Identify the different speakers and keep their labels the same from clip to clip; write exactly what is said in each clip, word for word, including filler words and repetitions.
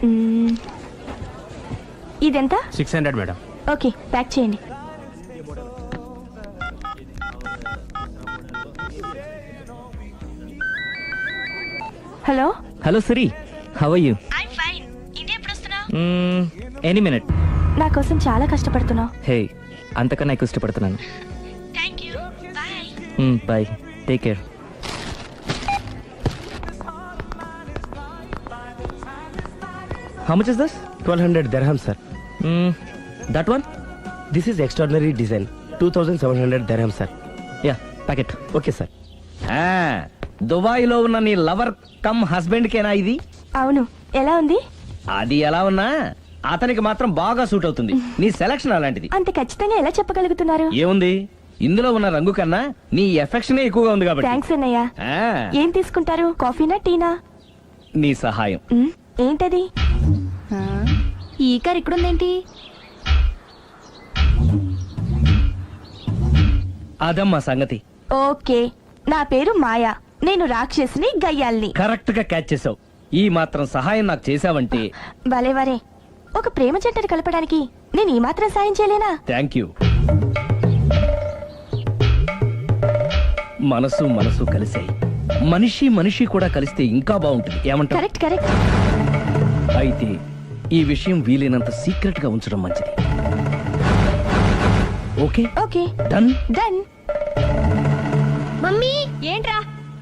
Speaker 1: ఇదెంత?
Speaker 2: Six hundred madam.
Speaker 1: Okay, pack చేయండి. Hello
Speaker 3: hello Siri, how are you?
Speaker 1: I fine. ఇది ఎప్పుడు వస్తున్నావు?
Speaker 3: Any minute.
Speaker 1: నా కోసం చాలా కష్టపడుతున్నావు.
Speaker 3: హే, అంతకన్నా ఎక్కువ ఇష్టపడుతున్నాను.
Speaker 1: Thank you. Bye.
Speaker 3: Bye, take care. How much is this?
Speaker 4: twelve hundred dirham, sir.
Speaker 3: Mm, that one?
Speaker 4: This is extraordinary design. two thousand seven hundred dirham, sir.
Speaker 3: Yeah, pack it.
Speaker 4: Okay, sir.
Speaker 5: Dubai లో ఉన్న నీ lover come husband కేనా ఇది?
Speaker 1: అవును. ఎలా ఉంది?
Speaker 5: అది ఎలా ఉన్నా అతనికి మాత్రం బాగా సూట్ అవుతుంది. నీ సెలక్షన్ అలాంటిది.
Speaker 1: అంత ఖచ్చితంగా ఎలా చెప్పగలుగుతున్నారు?
Speaker 5: ఏముంది, ఇందులో ఉన్న రంగు కన్నా నీ ఎఫెక్షన్ ఎక్కువగా ఉంది కాబట్టి.
Speaker 1: థ్యాంక్స్ అన్నయ్య.
Speaker 5: ఆ,
Speaker 1: ఏం తీసుకుంటారు? కాఫీనా టీనా?
Speaker 5: నీ సహాయం.
Speaker 1: మ్, ఏంటది? ఈ కార్ ఇక్కడుందేంటి?
Speaker 5: అదమ్మా సంగతి.
Speaker 1: ఓకే, నా పేరు మాయా. నేను రాక్షసిని, గయ్యాల్ని.
Speaker 5: కరెక్ట్ గా క్యాచ్ చేసావు. ఈ మాత్రం సహాయం నాకు చేసావంటే.
Speaker 1: వలే వరే, ఒక ప్రేమ జంటను కలపడానికి నేను ఈ మాత్రం సాయం చేయలేనా?
Speaker 5: Thank you. మనసు మనసు కలిసాయి. మనిషి మనిషి కూడా కలిస్తే ఇంకా బాగుంటుంది. ఏమంటావు?
Speaker 1: Correct correct.
Speaker 5: అయితే ఈ విషయం వీలైనంత సీక్రెట్ గా ఉంచడం మంచిది. Okay
Speaker 1: okay,
Speaker 5: done
Speaker 1: done.
Speaker 6: Mummy,
Speaker 1: ఏంట్రా?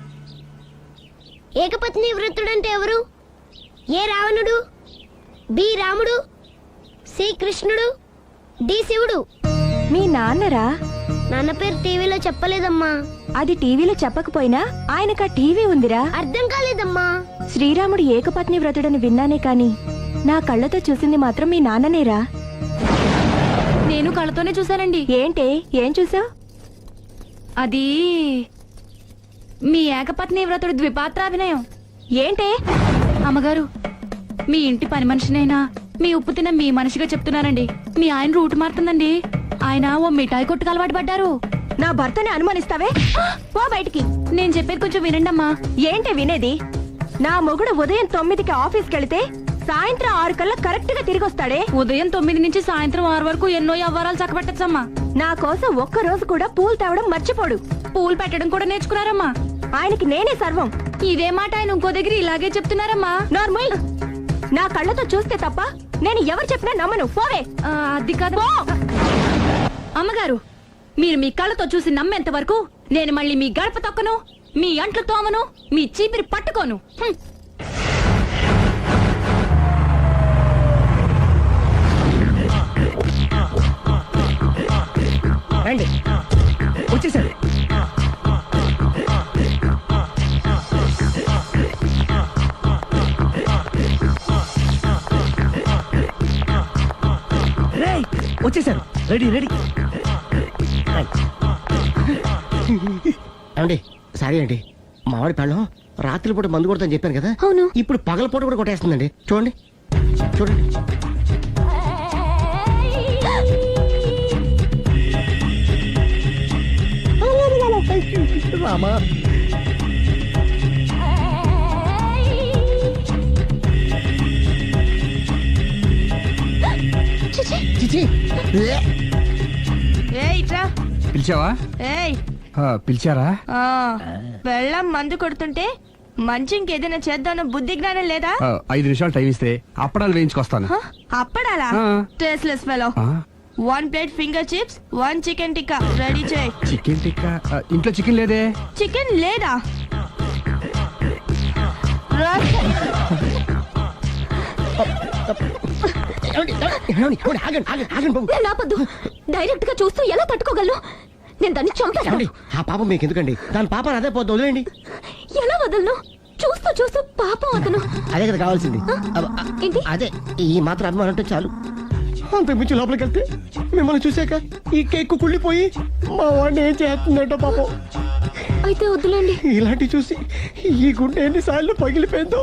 Speaker 6: ఏకపత్ని వృత్తుడంటే ఎవరు? ఏ రావణుడు, బి రాముడు, సి కృష్ణుడు, డి శివుడు.
Speaker 1: మీ నాన్నరా?
Speaker 6: నాన్న పేరు టీవీలో చెప్పలేదమ్మా.
Speaker 1: అది టీవీలో చెప్పకపోయినా ఆయనకా టీవీ ఉందిరా.
Speaker 6: అర్థం కాలేదమ్మా.
Speaker 1: శ్రీరాముడు ఏకపత్ని వ్రతుడని విన్నానే కాని నా కళ్ళతో చూసింది మాత్రం మీ నాన్ననేరా.
Speaker 7: నేను కళ్ళతోనే చూశానండి.
Speaker 1: ఏంటే, ఏం చూసావు?
Speaker 7: అది మీ ఏకపత్ని వ్రతుడు ద్విపాత్రాభినయం.
Speaker 1: ఏంటే?
Speaker 7: అమ్మగారు, మీ ఇంటి పని మనిషినైనా మీ ఉప్పు తిన్న మీ మనిషిగా చెప్తున్నానండి. మీ ఆయన రూట్ మారుతుందండి. ఆయన ఓ మిఠాయి కొట్టుకు అలవాటు పడ్డారు.
Speaker 1: నా భర్తని అనుమానిస్తావే? పో బయటికి.
Speaker 7: నేను చెప్పేది కొంచెం వినండి అమ్మా.
Speaker 1: ఏంటి వినేది? నా మొగుడు ఉదయం తొమ్మిదికి ఆఫీస్కి వెళితే సాయంత్రం ఆరు కల్లా కరెక్ట్ గా తిరిగి వస్తాడే.
Speaker 7: ఉదయం తొమ్మిది నుంచి సాయంత్రం ఆరు వరకు ఎన్నో వ్యవహారాలు చక్కబెట్టచ్చమ్మా.
Speaker 1: నా కోసం ఒక్క రోజు కూడా పూలు తేవడం మర్చిపోడు.
Speaker 7: పూలు పెట్టడం కూడా నేర్చుకున్నారమ్మా.
Speaker 1: ఆయనకి నేనే సర్వం.
Speaker 7: ఇదే మాట ఆయన ఇంకో దగ్గర ఇలాగే చెప్తున్నారమ్మా.
Speaker 1: నార్మల్. నా కళ్ళతో చూస్తే తప్ప నేను ఎవరు చెప్పినా నమ్మను. పోవే.
Speaker 7: ఆ, అది కాదు అమ్మగారు. మీరు మీ కళ్ళతో చూసి నమ్మేంత వరకు నేను మళ్ళీ మీ గడప తొక్కను, మీ అంట్లు తోమను, మీ చీపిరి పట్టుకోను. హ్మ్.
Speaker 5: రండి, వచ్చేసారు. రేయ్, వచ్చేసారు. Ready ready.
Speaker 4: ఏమండి, సారీ అండి, మామిడి పళ్ళం రాత్రిపూట మందు కొడతాను చెప్పాను కదా.
Speaker 1: అవును.
Speaker 4: ఇప్పుడు పగలపూట కూడా కొట్టేస్తుందండి. చూడండి చూడండి. రామా, చిచి.
Speaker 2: పిలిచావా?
Speaker 1: ఏయ్,
Speaker 2: ఆ, పిలిచారా?
Speaker 1: వెళ్ళం మందు కొడుతుంటే మంచి ఇంకేదైనా చేద్దాం బుద్ధి జ్ఞానం లేదా?
Speaker 2: ఆ, ఐదు నిమిషాలు టైం ఇస్తే అప్పడాలు వేయించుకొస్తాను.
Speaker 1: హ? అప్పడాలా?
Speaker 2: ఆ.
Speaker 1: Tasteless fellow.
Speaker 2: ఆ,
Speaker 1: one plate finger chips, one chicken tikka ready చేయి.
Speaker 2: చికెన్ టిక్కా? ఆ, ఇంట్లో చికెన్ లేదే.
Speaker 1: చికెన్ లేదా?
Speaker 6: నేను ఆపొద్దు. డైరెక్ట్ గా చూస్తూ ఎలా తట్టుకోగలను? నేను దాన్ని చంపాను.
Speaker 4: ఆ పాపం మీకు ఎందుకండి? దాని పాప అదే పోతుంది, వదిలేండి.
Speaker 6: ఎలా వదలను? చూస్తూ చూస్తూ పాపం అతను.
Speaker 4: అదే కదా కావాల్సింది.
Speaker 6: ఏంటి?
Speaker 4: అదే, ఈ మాత్రం అభిమానం అంటే చాలు. అంతకుమించి లోపలికి వెళ్తే మిమ్మల్ని చూసాక ఈ కేక్ కుళ్ళిపోయి మా వాడిని ఏం చేస్తుందంటో పాపం.
Speaker 6: అయితే వద్దులేండి.
Speaker 4: ఇలాంటి చూసి ఈ గుండె ఎన్నిసార్లు పగిలిపోయిందో.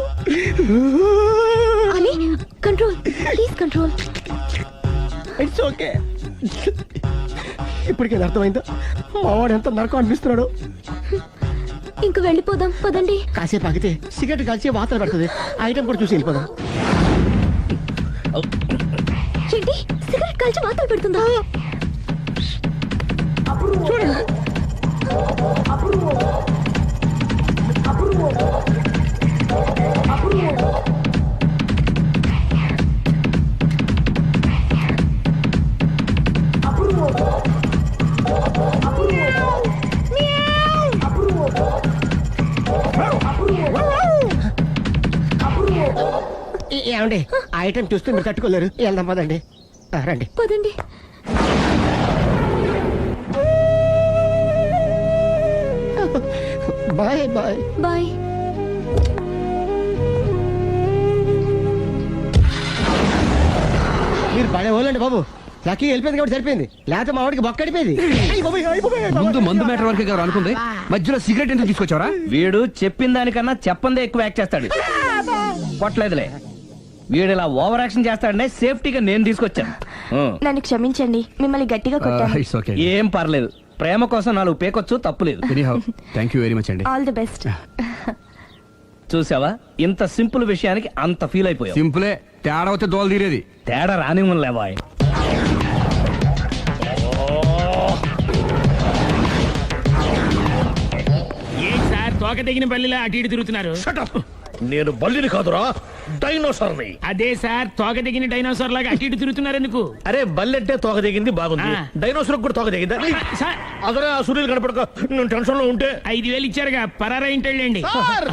Speaker 6: అని control, please control.
Speaker 4: It's okay. ఇప్పటికే అర్థమైందా మా వాడు ఎంత నరకం అనిపిస్తున్నాడు?
Speaker 6: ఇంక వెళ్ళిపోదాం పదండి.
Speaker 4: కాసేపు ఆగితే సిగరెట్ కలిసి వాతలు పెడుతుంది. ఐటమ్ కూడా చూసి వెళ్ళిపోదాం.
Speaker 6: ఏంటి సిగరెట్ కాల్చి వాతలు పెడుతుందా?
Speaker 4: ఏ- ఏమండి ఆ ఐటమ్ చూస్తే మీరు తట్టుకోలేరు, వెళ్దాం పదండి. ఆ, రండి.
Speaker 6: పదండి.
Speaker 4: Bye bye.
Speaker 6: బాయ్.
Speaker 4: మీరు పడే వాళ్ళండి బాబు. లక్కీ వెళ్ళిపోయింది కాబట్టి సరిపోయింది, లేకపోతే మా వాడికి బొక్క అడిపోయింది.
Speaker 2: ముందు మందు మ్యాటర్ వరకే కదా అనుకుంది, మధ్యలో సిగరెట్ ఎందుకు తీసుకొచ్చావరా?
Speaker 5: వీడు చెప్పిన దానికన్నా చెప్పందే ఎక్కువ యాక్ట్ చేస్తాడు. కొట్టలేదులే, వీడు ఇలా ఓవర్ యాక్షన్ చేస్తాడనే సేఫ్టీగా నేను తీసుకొచ్చాను. ఉం.
Speaker 1: నన్ను క్షమించండి, మిమ్మల్ని గట్టిగా కొట్టాను.
Speaker 2: It's okay.
Speaker 5: ఏం పర్లేదు, ప్రేమ కోసం నాలుగు పేకొచ్చు, తప్పులేదు.
Speaker 2: Anyhow thank you very much అండి.
Speaker 1: All the best.
Speaker 5: చూసావా, ఇంత సింపుల్ విషయానికి అంత ఫీల్ అయిపోయావు.
Speaker 2: సింపులే, తేడా వస్తే దోల తీరేది.
Speaker 5: తేడా రాని లేవాయ్.
Speaker 8: ఏం సార్ తోక తెగిన బల్లిలా అటు ఇటు తిరుగుతున్నారు?
Speaker 9: నేను బల్లిని కాదురా, డైనోసార్ని.
Speaker 8: అదే సార్ తోక తెగిన డైనోసార్ లాగా అటు ఇటు తిరుగుతున్నారు ఎందుకు?
Speaker 9: అరే బల్లెట్టే తోక దిగింది బాగుంది,
Speaker 8: ఆ.
Speaker 9: డైనోసార్ కూడా తోక దిగిందా?
Speaker 8: సార్
Speaker 9: అదరే ఆ సూర్యులు కనపడక నేను టెన్షన్ లో ఉంటే.
Speaker 8: ఐదు వేలు ఇచ్చారుగా పరారా ఇంటండి.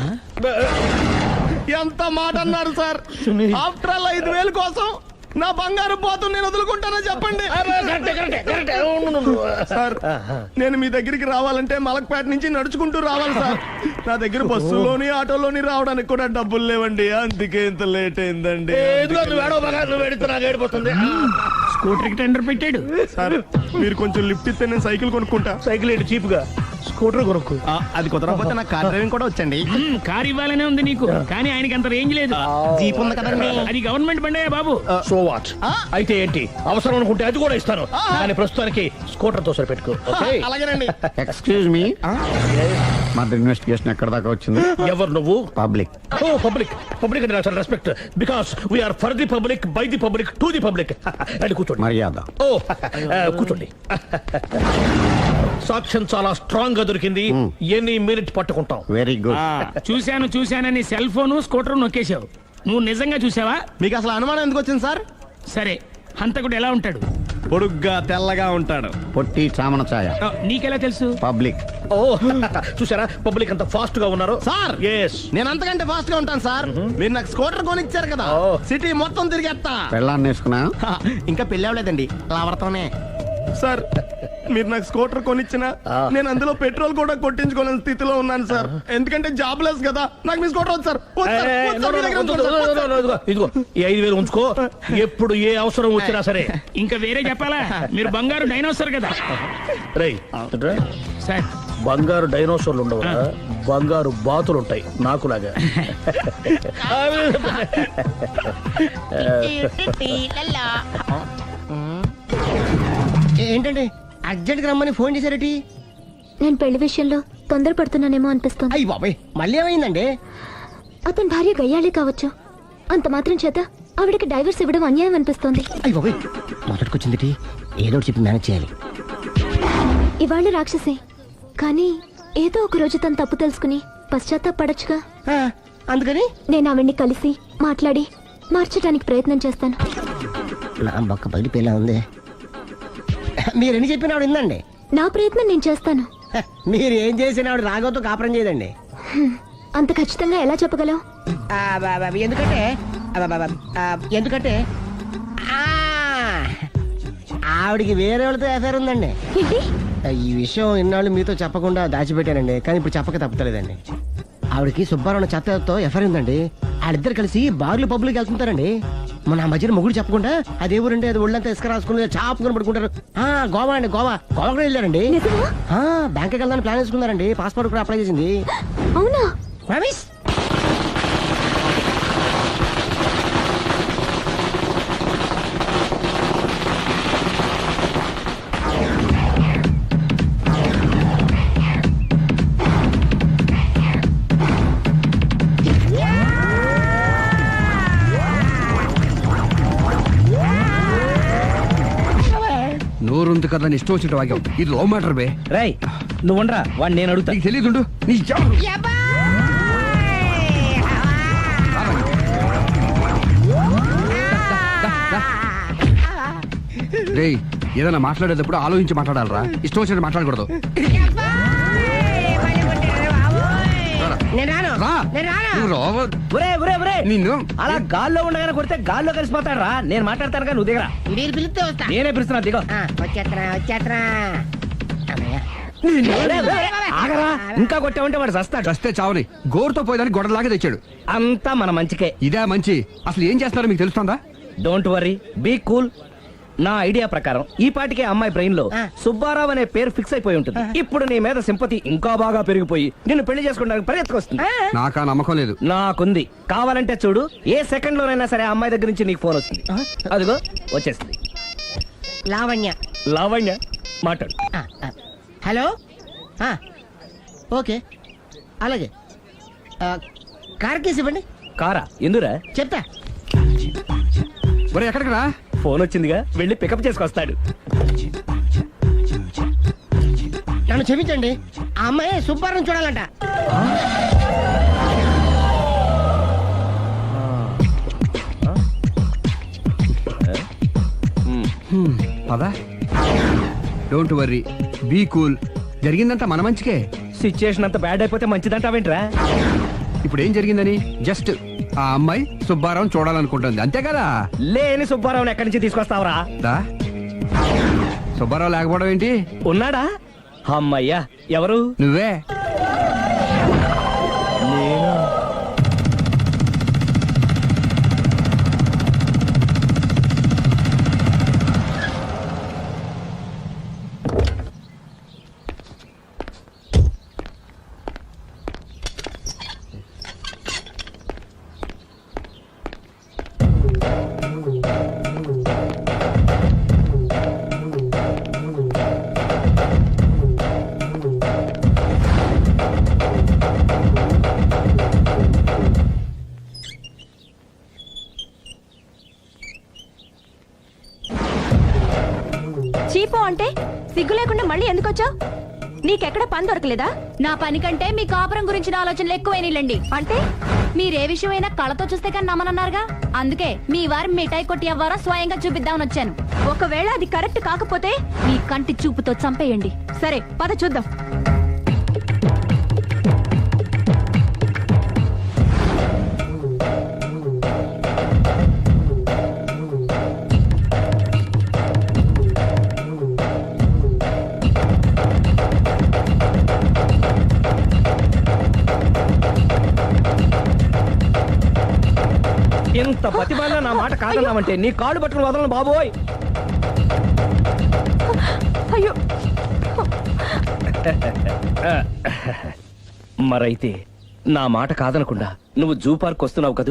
Speaker 4: ఎంత మాట అన్నారు సార్? ఆఫ్టర్ ఆల్ ఐదు వేలు కోసం నా బంగారు పోతు నేను వదులుకుంటానో చెప్పండి
Speaker 9: కరెక్టే, కరెక్టే, కరెక్టే. ఉండు, ఉండు, ఉండు.
Speaker 4: సార్. నేను మీ దగ్గరికి రావాలంటే మలక్పేట నుంచి నడుచుకుంటూ రావాలి సార్. నా దగ్గర బస్సులోని ఆటోలోని రావడానికి కూడా డబ్బులు లేవండి, అందుకే ఇంత లేట్ అయిందండి.
Speaker 9: ఏ, ఇదిగో నువ్వు ఏడవ బాగా, నువ్వు ఏడితే నాకు ఏడిపోతుంది.
Speaker 8: స్కూటర్ కి టెండర్ పెట్టాడు.
Speaker 4: సార్ మీరు కొంచెం లిఫ్ట్ ఇస్తే నేను సైకిల్ కొనుక్కుంటా.
Speaker 9: సైకిల్ ఏంటి చీప్ గా, స్కూటర్ కొనుక్కు.
Speaker 4: ఆ, అది కుదరకపోతే నాకు కార్ డ్రైవింగ్ కూడా వచ్చండి.
Speaker 8: మ్, కారు ఇవ్వాలనే ఉంది నీకు, కానీ ఆయనకి అంత రేంజ్ లేదు.
Speaker 4: జీప్ ఉంది కదండి.
Speaker 8: అది గవర్నమెంట్ బండే బాబు.
Speaker 9: So what? అయితే ఏంటి, అవసరం అనుకుంటే అది కూడా ఇస్తాను, కానీ ప్రస్తుతానికి స్కూటర్ తో సరిపెట్టుకో. ఓకే?
Speaker 4: అలాగేనండి.
Speaker 10: ఎక్స్క్యూజ్ మీ, మర్డర్ ఇన్వెస్టిగేషన్ ఎక్కడ దాకా వచ్చింది?
Speaker 9: ఎవరు నువ్వు?
Speaker 10: పబ్లిక్.
Speaker 9: ఓ పబ్లిక్. పబ్లిక్ అంటే నాకు చాలా respect, because we are for the public, by the public, to the public. అండి కూర్చోండి.
Speaker 10: మర్యాద.
Speaker 9: ఓ ఆ, కూర్చోండి. సాక్ష్యం చాలా స్ట్రాంగ్ గా దొరికింది, ఎన్ని మినిట్ పట్టుకుంటాం.
Speaker 10: Very good.
Speaker 8: చూశాను చూశానని సెల్ ఫోను స్కూటర్ నొక్కేశావు. నువ్వు నిజంగా చూసావా?
Speaker 4: మీకు అసలు అనుమానం ఎందుకు వచ్చింది సార్?
Speaker 8: సరే, హంతకుడు ఎలా ఉంటాడు?
Speaker 4: పొడుగ్గా తెల్లగా ఉంటాడు.
Speaker 10: పొట్టి చామన ఛాయ.
Speaker 8: ఆ, నీకెలా తెలుసు?
Speaker 10: పబ్లిక్.
Speaker 9: ఓ చూసారా పబ్లిక్ అంత ఫాస్ట్ గా ఉన్నారు.
Speaker 4: సార్
Speaker 9: ఎస్,
Speaker 4: నేను అంతకంటే ఫాస్ట్ గా ఉంటాను సార్. మీరు నాకు స్కూటర్ కొనిచ్చారు కదా,
Speaker 9: ఓ.
Speaker 4: సిటీ మొత్తం తిరిగేస్తా.
Speaker 10: పెళ్ళాన్ని వేసుకున్నా?
Speaker 4: హా, ఇంకా పెళ్లి అవ్వలేదండి, లావర్తోనే. సార్ మీరు నాకు స్కూటర్ కొనిచ్చిన నేను అందులో పెట్రోల్ కూడా కొట్టించుకోలేని స్థితిలో ఉన్నాను సార్. ఎందుకంటే జాబ్ లెస్ కదా, నాకు మీ స్కూటర్ వద్దు సార్. వద్దు సార్, వద్దు సార్, మీ దగ్గర ఉంచుకోండి సార్, వద్దు సార్.
Speaker 9: ఇదిగో ఇదిగో ఈ ఐదు వేలు ఉంచుకో, ఎప్పుడు ఏ అవసరం వచ్చినా సరే.
Speaker 8: ఇంకా వేరే చెప్పాలా? మీరు బంగారు డైనోసార్ కదా.
Speaker 9: రై
Speaker 8: సార్
Speaker 9: బంగారు డైనోసార్లు ఉండవు, బంగారు బాతులు ఉంటాయి నాకులాగా.
Speaker 4: ఏంటండి అర్జెంట్ గా రమ్మని ఫోన్ చేశారటి?
Speaker 6: నేను పెళ్లి విషయంలో తొందరపడుతున్నానేమో అనిపిస్తోంది.
Speaker 4: అయ్యి బాబాయ్, మళ్ళీ ఏమైందండి?
Speaker 6: అతని భార్య గయ్యాళే కావచ్చు, అంత మాత్రం చేత ఆవిడకి డైవర్స్ ఇవ్వడం అన్యాయం అనిపిస్తోంది.
Speaker 4: అయ్యి బాబాయ్, మొదటికొచ్చింది ఏదో ఒకటి చెప్పి మేనేజ్ చేయాలి.
Speaker 6: ఇవాళ రాక్షసే, కానీ ఏదో ఒక రోజు తను తప్పు తెలుసుకుని పశ్చాత్తాపడొచ్చుగా.
Speaker 4: ఆ, అందుకని
Speaker 6: నేను ఆవిడ్ని కలిసి మాట్లాడి మార్చడానికి ప్రయత్నం చేస్తాను.
Speaker 4: నా బొక్క బయట ఉంది. మీరు ఎన్ని చెప్పిన ఆవిడ ఇందండి.
Speaker 6: నా ప్రయత్నం నేను చేస్తాను.
Speaker 4: హ, మీరు ఏం చేసిన ఆవిడ రాగోతో కాపురం చేయదండి.
Speaker 6: హ్మ్. అంత ఖచ్చితంగా ఎలా చెప్పగలవు?
Speaker 4: ఆ, బా- బా- ఎందుకంటే ఆ, బా- బా- ఆ, ఎందుకంటే ఆ, ఆవిడికి వేరే వాళ్ళతో ఎఫైర్ ఉందండి.
Speaker 6: ఏంటి?
Speaker 4: ఆ, ఈ విషయం ఇన్నాళ్ళు మీతో చెప్పకుండా దాచిపెట్టానండి, కానీ ఇప్పుడు చెప్పక తప్పలేదండి. ఆవిడకి సుబ్బారావు చెత్తతో ఎఫైర్ ఉందండి. వాళ్ళిద్దరు కలిసి బార్లు పబ్లిక్ వెళ్తుంటారండి. మన ఆ మధ్యన మొగుడు చెప్పకుండా అదే ఊరండి, అది ఒళ్ళంతా ఇసుక రాసుకుని చాపుకొని పడుకుంటారు. ఆ గోవా అండి, గోవా గోవా కూడా వెళ్ళారండి.
Speaker 6: నిజమా?
Speaker 4: ఆ, బ్యాంక్కి వెళ్దాని ప్లాన్ వేసుకున్నారండి, పాస్పోర్ట్ కూడా అప్లై చేసింది.
Speaker 6: అవునా?
Speaker 4: ప్రామిస్.
Speaker 2: ఉంది కదా అని ఇష్టం వచ్చినట్టు వాగావు. ఇది లవ్ మ్యాటర్ బే.
Speaker 5: రై నువ్వు ఉండరా వాడు నేను అడుగుతా.
Speaker 2: నీకు తెలియదుండు నీ జా- రేయ్ ఏదైనా మాట్లాడేటప్పుడు ఆలోచించి మాట్లాడాలరా, ఇష్టం వచ్చినట్టు మాట్లాడకూడదు.
Speaker 4: నేను రాను
Speaker 2: రా.
Speaker 4: నేను రాను
Speaker 2: నువ్వు రావ-
Speaker 5: ఒరే ఒరే ఒరే
Speaker 2: నిన్ను
Speaker 5: అలా గాల్లో ఉండగానే కొడితే గాల్లో కలిసిపోతాడు రా. నేను మాట్లాడతాను కానీ నువ్వు దిగరా.
Speaker 4: మీరు పిలిస్తే వస్తా.
Speaker 5: నేనే పిలుస్తున్నా దిగో.
Speaker 4: ఆ, వచ్చేత్తనా వచ్చేత్తనా అమ్మయ్య.
Speaker 5: ఒరే, ఒరే, ఆగరా ఇంకా కొట్టామంటే వాడు చస్తాడు.
Speaker 2: చస్తే చావని గోరుతో పోయేదానికి గొడవలాగా తెచ్చాడు.
Speaker 5: అంతా మన మంచికే.
Speaker 2: ఇదే మంచి. అసలు ఏం చేస్తారో మీకు తెలుస్తుందా?
Speaker 5: Don't worry be cool. నా ఐడియా ప్రకారం ఈ పాటికే అమ్మాయి బ్రెయిన్ లో
Speaker 4: ఆ.
Speaker 5: సుబ్బారావు అనే పేరు ఫిక్స్ అయిపోయి ఉంటుంది. ఇప్పుడు నీ మీద సింపతి ఇంకా బాగా పెరిగిపోయి నిన్ను పెళ్లి చేసుకోవడానికి పరిగెత్తుకొస్తుంది.
Speaker 2: నాకా నమ్మకం లేదు.
Speaker 5: నాకుంది. కావాలంటే చూడు, ఏ సెకండ్ లోనైనా సరే ఆ అమ్మాయి దగ్గర నుంచి నీకు ఫోన్ వస్తుంది. అదిగో వచ్చేస్తుంది.
Speaker 4: లావణ్య.
Speaker 5: లావణ్య మాట్లాడు.
Speaker 4: ఆ, ఆ. హలో ఆ, ఓకే అలాగే ఆ, కార్ కేసు ఇవ్వండి.
Speaker 5: కారా ఎందురా?
Speaker 4: చెప్తా.
Speaker 2: ఒరే ఎక్కడికి రా?
Speaker 5: ఫోన్ వచ్చిందిగా, వెళ్ళి పికప్ చేసుకొస్తాడు.
Speaker 4: నన్ను క్షమించండి, ఆ అమ్మాయి సుబ్బారం చూడాలంట.
Speaker 2: పదా. Don't worry be cool. జరిగిందంతా మన మంచికే.
Speaker 5: సిచ్యుయేషన్ అంత బ్యాడ్ అయిపోతే మంచిదంటావేంట్రా?
Speaker 2: ఇప్పుడు ఏం జరిగిందని జస్ట్ ఆ అమ్మాయి సుబ్బారావు చూడాలనుకుంటుంది అంతే కదా.
Speaker 5: లేని సుబ్బారావుని ఎక్కడి నుంచి తీసుకొస్తావరా?
Speaker 2: దా సుబ్బారావు లేకపోవడం ఏంటి?
Speaker 5: ఉన్నాడా? అమ్మయ్యా, ఎవరు?
Speaker 2: నువ్వే.
Speaker 1: చీపో అంటే సిగ్గు లేకుండా మళ్ళీ ఎందుకు వచ్చావు? నీకెక్కడ పని దొరకలేదా?
Speaker 7: నా పని కంటే మీ కాపురం గురించిన ఆలోచనలు ఎక్కువైనాయిలండి.
Speaker 1: అంటే
Speaker 7: మీరే విషయమైనా కళ్ళతో చూస్తే కానీ నమ్మనన్నారుగా. అందుకే మీ వారి మిఠాయి కొట్టి అవ్వారా స్వయంగా చూపిద్దామని వచ్చాను.
Speaker 1: ఒకవేళ అది కరెక్ట్ కాకపోతే
Speaker 7: మీ కంటి చూపుతో చంపేయండి.
Speaker 1: సరే పద చూద్దాం.
Speaker 5: ఇంత ప్రతిభలో నా మాట కాదన్నామంటే నీ కాళ్ళు పట్టుకుని వదలను బాబోయ్.
Speaker 1: అయ్యో
Speaker 5: మరైతే నా మాట కాదనకుండా నువ్వు జూ పార్క్ వస్తున్నావు కదూ?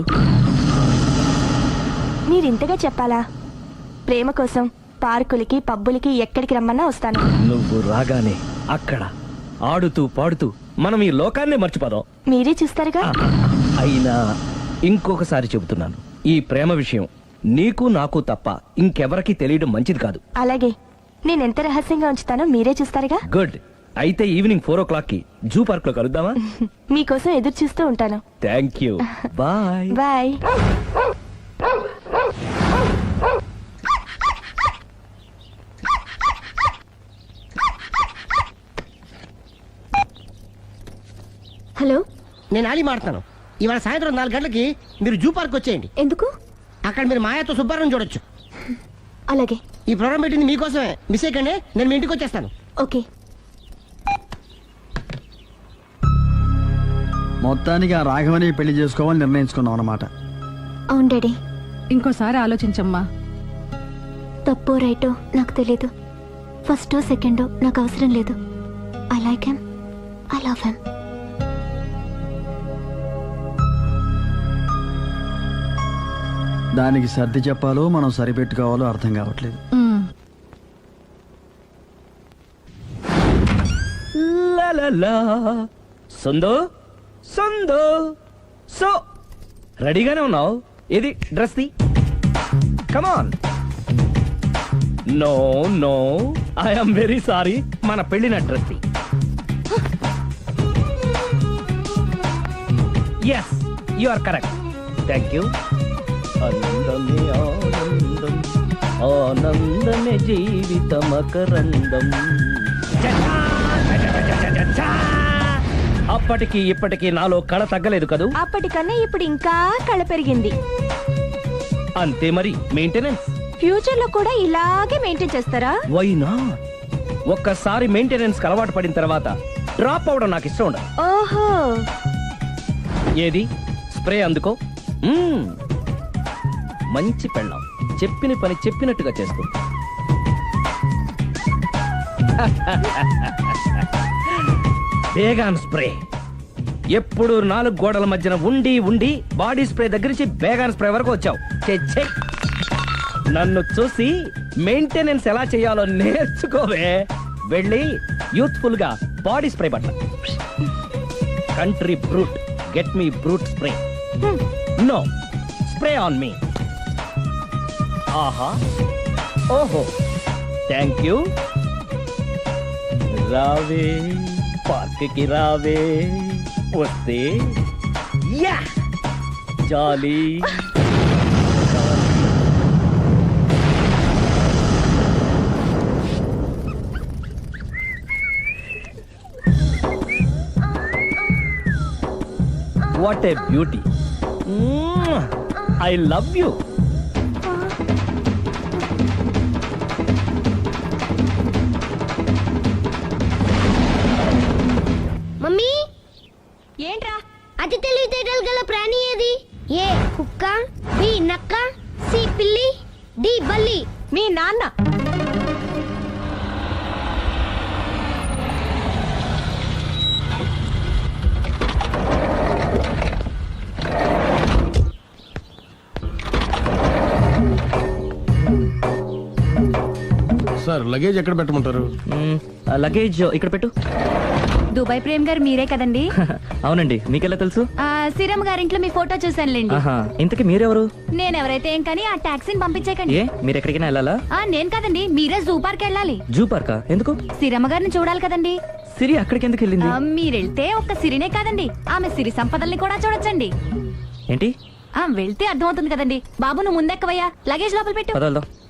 Speaker 1: మీరింతగా చెప్పాలా? ప్రేమ కోసం పార్కులకి పబ్బులకి ఎక్కడికి రమ్మన్నా వస్తాను.
Speaker 5: నువ్వు రాగానే అక్కడ ఆడుతూ పాడుతూ మనం ఈ లోకాన్ని మర్చిపోదాం.
Speaker 1: మీరే చూస్తారుగా.
Speaker 5: అయినా ఇంకొకసారి చెబుతున్నాను, ఈ ప్రేమ విషయం నీకు నాకు తప్ప ఇంకెవరికి తెలియడం మంచిది కాదు.
Speaker 1: అలాగే నేనెంత రహస్యంగా ఉంచుతానో మీరే చూస్తారుగా.
Speaker 5: గుడ్. అయితే ఈవినింగ్ ఫోర్ ఓ క్లాక్ కి జూ పార్క్ లో కలుద్దామా?
Speaker 1: మీకోసం ఎదురు చూస్తూ ఉంటాను.
Speaker 5: Thank you. Bye
Speaker 1: bye.
Speaker 6: Hello,
Speaker 4: నేను ఆలి మాడుతున్నాను. ఇవాళ సాయంత్రం నాలుగు గంటలకి మీరు జూ పార్క్ వచ్చేయండి.
Speaker 6: ఎందుకు?
Speaker 4: అక్కడ మీరు మాయాతో సుబ్బారావు చూడొచ్చు.
Speaker 6: అలాగే.
Speaker 4: ఈ ప్రోగ్రామ్ పెట్టింది మీకోసమే. మిస్ అయ్యకండి, నేను మీ ఇంటికి వచ్చేస్తాను.
Speaker 6: ఓకే.
Speaker 10: మొత్తానికి ఆ రాఘవని పెళ్లి చేసుకోవాలని నిర్ణయించుకున్నాం అన్నమాట.
Speaker 6: అవును డాడీ.
Speaker 7: ఇంకోసారి ఆలోచించమ్మా.
Speaker 6: తప్పో రైటో నాకు తెలీదు. ఫస్టో సెకండో నాకు అవసరం లేదు. I like him, I love him.
Speaker 10: దానికి సర్ది చెప్పాలో మనం సరిపెట్టుకోవాలో అర్థం కావట్లేదు.
Speaker 5: సందో సందో సో రెడీగానే ఉన్నావు? ఏది డ్రెస్ ది? Come on. No no I'm very sorry మన పెళ్లిన dress yes you are correct thank you ఆనందమే ఆనందం ఆనందమే జీవితమకరందం అప్పటికి ఇప్పటికి నాలో కళ తగ్గలేదు కదూ
Speaker 1: అప్పటికన్నా ఇప్పుడు ఇంకా కళ పెరిగింది.
Speaker 5: అంతే మరి మెయింటెనెన్స్
Speaker 1: ఫ్యూచర్ లో కూడా ఇలాగే మెయింటైన్ చేస్తారా?
Speaker 5: వైనా ఒక్కసారి మెయింటెనెన్స్ అలవాటు పడిన తర్వాత డ్రాప్ అవడం నాకు ఇష్టం ఉండదు.
Speaker 1: ఓహో,
Speaker 5: ఏది స్ప్రే అందుకో. మ్మ్. మంచి పెళ్ళాం చెప్పిన పని చెప్పినట్టుగా చేస్తూ బేగాన్ స్ప్రే ఎప్పుడు నాలుగు గోడల మధ్యన ఉండి ఉండి బాడీ స్ప్రే దగ్గర నుంచి బేగాన్ స్ప్రే వరకు వచ్చావు. ఛే, ఛే. నన్ను చూసి మెయింటెనెన్స్ ఎలా చేయాలో నేర్చుకోవే. వెళ్ళి యూత్ఫుల్ గా బాడీ స్ప్రే పట్ల. Country brute get me brute spray. No spray on me. ఆహా ఓహో థ్యాంక్ యూ. రావే పార్క్ కి రావే వస్తే యా jolly. What a beauty. Mwah. I love you.
Speaker 6: Mummy,
Speaker 1: ఏంట్రా?
Speaker 6: అతి తెలివితేటలు గల ప్రాణి ఏది? ఏ కుక్క, బి నక్క, సి పిల్లి, డి బల్లి.
Speaker 1: మీ నాన్న.
Speaker 9: సార్ లగేజ్ ఎక్కడ పెట్టమంటారు?
Speaker 3: లగేజ్ ఇక్కడ పెట్టు.
Speaker 7: దుబాయ్ ప్రేమ్ గారు మీరే కదండి?
Speaker 3: అవునండి, మీకెలా తెలుసు?
Speaker 7: ఆ, సిరమ్ గారింట్లో మీ ఫోటో చూసానులేండి.
Speaker 3: ఆహా, ఇంతకీ మీరెవరు?
Speaker 7: నేను ఎవరైతే ఏం కానీ ఆ టాక్సీని పంపించేకండి.
Speaker 3: ఏ మీరు ఎక్కడికైనా వెళ్ళాలా?
Speaker 7: ఆ, నేను కదండి, మీరే జూ పార్క్ వెళ్ళాలి.
Speaker 3: జూ పార్కా? ఎందుకు?
Speaker 7: సిరమ్మ గారిని చూడాలి కదండి.
Speaker 3: సిరి అక్కడికి ఎందుకు వెళ్ళింది?
Speaker 7: ఆ, మీరెళ్తే ఒక్క సిరినే కాదండి, ఆమె సిరి సంపదల్ని కూడా చూడొచ్చండి.
Speaker 3: ఏంటి?
Speaker 7: ఆ, వెళ్తే అర్థమవుతుంది కదండి. బాబు నువ్వు ముందెక్కవయ్యా, లగేజ్ లోపల పెట్టు.
Speaker 3: పద వెళ్దాం.